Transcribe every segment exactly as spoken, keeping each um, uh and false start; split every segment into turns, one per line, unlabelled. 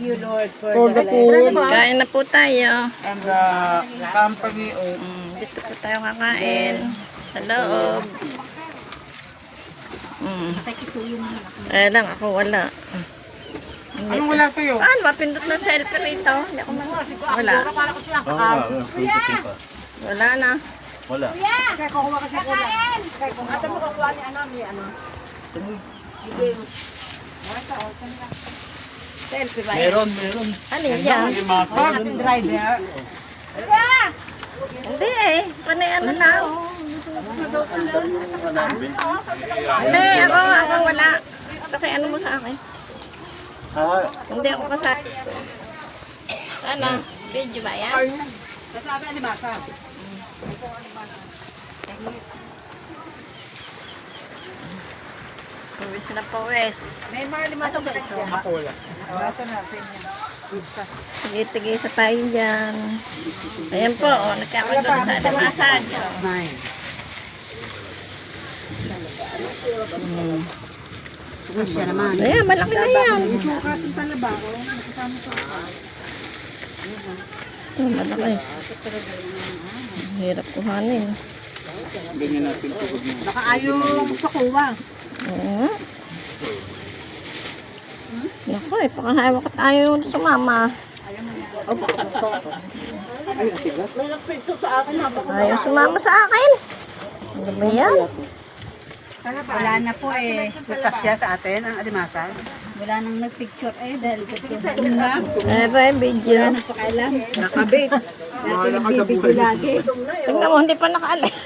you, Lord, for,
For the
the
food.
Kain na po tayo.
And the company of...
Mm, dito po tayo kakain. Sa loob. Mm. Eh lang, ako wala.
Anong wala kayo?
Ah, mapindot na selfie rito. Hindi ako mag... Wala. Wala na.
Wala.
Selfie ba yan?
Meron, meron.
Ano yan?
ating driver.
Hindi eh. Panay ano lang. Hindi, ako, ako wala. Okay, ano mo sa akin?
Ah,
Hindi ako kasali. Ano? Video ba yan?
Nasabi alimasa.
Pawis na pawis.
May mga limasa ba ito?
Ako wala.
Ito natin yan.
Tigay-tigay sa tayo dyan. Ayan po, oh, nagkakagulo sa alimasag.
Nine.
Hmm.
Siya naman.
Ayan, malaki na yan.
Sukatin sa laba. Nakasama sa
Ito, malaki. Ang hirap kuhanin.
Ganyan natin tugod mo.
Nakaayong sa kuwa.
Oo. Naku eh, pakahawak at ayaw sumama. Ayaw sumama sa akin. Ano ba yan?
Wala na po eh. Bukas siya sa atin, ang alimasa. Wala nang nagpicture eh. Dahil picture na.
Ere, video.
Pakailan. Nakabit.
Wala ka sa buhay.
Lagi.
Tingnan mo, hindi pa nakaalis.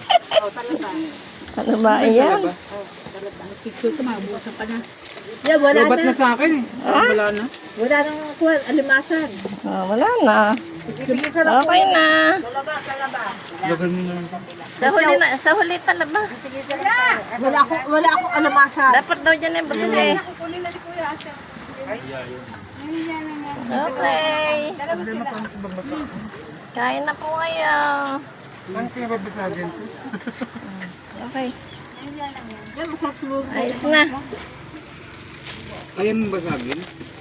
Ano ba yan?
Picture ko, mabukas pa na. Yeah, wala
Ba't
na.
na sa akin eh? Wala na.
Wala nang kuha, alimasan.
Ah, wala na. Okay na.
Lagan mo na lang.
Sa huli na, sa huli talaba.
Wala akong, wala akong alimasan.
Dapat daw dyan yung busog eh. Okay. Kain na po kayo.
Ano kaya babasagin ko?
Okay.
Yan, masarap siguro.
Ayos na.
Kaya mo basagin?